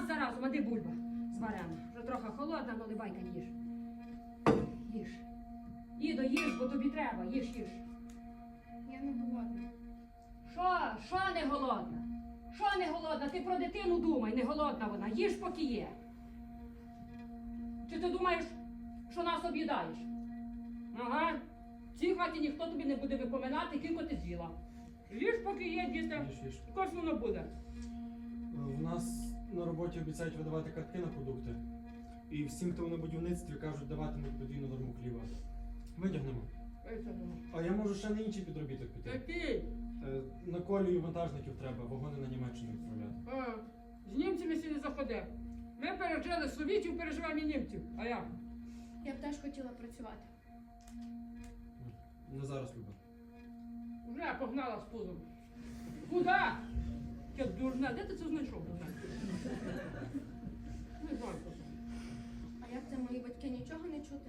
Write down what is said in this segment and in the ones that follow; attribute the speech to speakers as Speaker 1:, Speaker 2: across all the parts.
Speaker 1: раз за разом, а де бульба з варена? Вже трохи холодна, але байка їж. Їж. Ідо, їж, бо тобі треба, їж.
Speaker 2: Я не голодна.
Speaker 1: Що не голодна? Що не голодна? Ти про дитину думай, не голодна вона. Їж, поки є. Чи ти думаєш, що нас об'їдаєш? Ага. В цій хаті ніхто тобі не буде випоминати, кілько ти з'їла. Їж, поки є, діти.
Speaker 3: Їж.
Speaker 1: Якось воно буде.
Speaker 3: В нас на роботі обіцяють видавати картки на продукти. І всім, хто на будівництві, кажуть, даватимуть подвійну норму хліба. Витягнемо. А я можу ще на інший підробіток піти.
Speaker 1: Який?
Speaker 3: На колію вантажників треба, вагони на Німеччину відправляти.
Speaker 1: З німцями сі не заходи. Ми пережили совітів, переживаємо і німців. А як?
Speaker 2: Я б теж хотіла працювати.
Speaker 3: Не зараз, Люба.
Speaker 1: Вже погнала з пузом. Куда? Я дурна, де ти це знайшов? Не знаю просто.
Speaker 2: А як це мої батьки нічого не чути?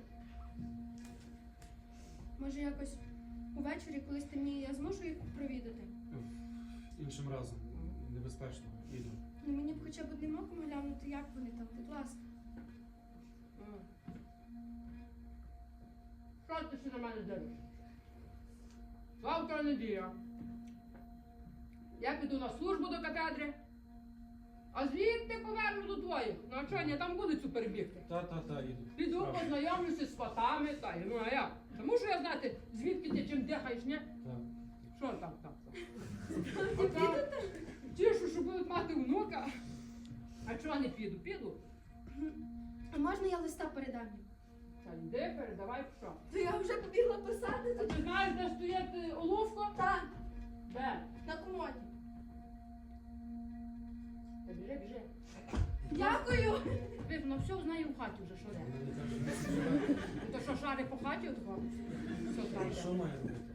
Speaker 2: Може якось увечері, коли стемніє, я зможу їх провідати?
Speaker 3: Іншим разом. Небезпечно. Іду.
Speaker 2: Ну мені б хоча б одним оком глянути, як вони там, будь ласка.
Speaker 1: Що ти ще на мене дивишся? Завтра неділя. Я піду на службу до катедри, а звідти поверну до твоїх. Навчання там вулицю перебігти.
Speaker 3: Та, іду.
Speaker 1: Піду
Speaker 3: Справді.
Speaker 1: познайомлюся з сватами, та й ну а як? Та мушу я знати, звідки ти чим дихаєш, ні?
Speaker 3: Так.
Speaker 1: Що там? Тішу, що будуть мати внука. А чого не піду? Піду.
Speaker 2: А можна я листа передам їм?
Speaker 1: Та йди, передавай що.
Speaker 2: То я вже побігла
Speaker 1: А
Speaker 2: писати.
Speaker 1: ти знаєш, де стоїть оловко?
Speaker 2: Так,
Speaker 1: Де?
Speaker 2: на комоді.
Speaker 1: Та біжи.
Speaker 2: Дякую.
Speaker 1: Ви, ну все знає в хаті вже, що де.
Speaker 3: Вона не каже, не співає.
Speaker 1: То що, шари по хаті отого? Все знає.
Speaker 3: Що має робити?